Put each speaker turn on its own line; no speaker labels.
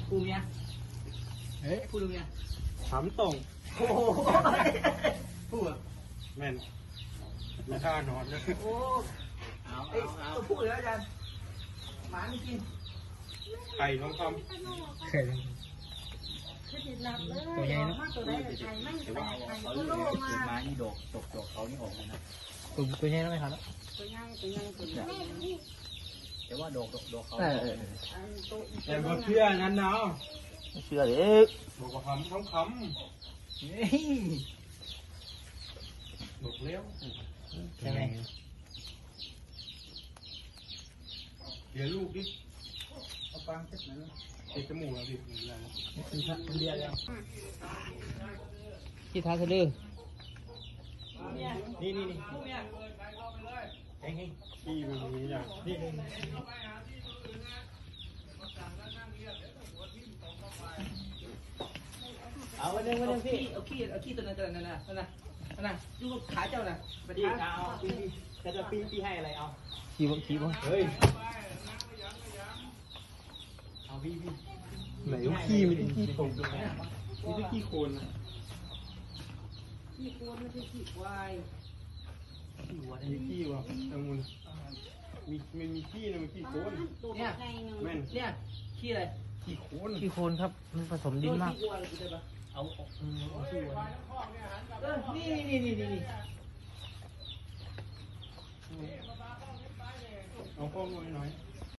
กูเมียเฮ้ยพูดดูเมีย
ถามตรง
โอ้โหพูด
แม่นไม่กล้านอนเลย
โอ้เอาตัวพูดเลยอาจารย์หมาไม่กิน
ไข่ทองค
เคยตัวใหญ่เนาะ
แต่ว่าเขาเรียกคือไม้นี่ดกเขานี่ออกเลยนะ
ตัวใหญ่แล้วไหมครับ
แต่ว่าดกเขา
ำแต่ก็เชื่อนั้นเนาะ
เชื่อเด็ก
บอกว่าคำทองคำบอกเลี้ยว
ใช่ไหม
เดี๋ยวลูกดิเอาฟังเช็ดหน่อยติดจมูกแล้วดิเดียวแล้ว
ที่ท้ายสะดือ
นี่เฮ้ยขี้มันนี้อย่างนี่
เอาวันนึงพี่เอาขี้ตัวนั้นดูขาเจ้าน่ะไปทางเอาจะปีให้อะไรเอา
ขี้บ่
เฮ้ย
เอาพี่
ไหนขี้มันขี้ตรงนี่คือขี้โคนนะ
ขี้โคนไม่ใช่ขี้ควายขี้วัว
มีขี้วะแตงมุนมีขี้นะมันขี้โคน
เนี่ย
แม่น
เนี่ยขี้อะไร
ขี้โคน
ขี้โคลนครับมันผสมดินมาก
ขี้วัวได้ปะเอาขี้วัวนี่
เอาข้อมูลหน่อย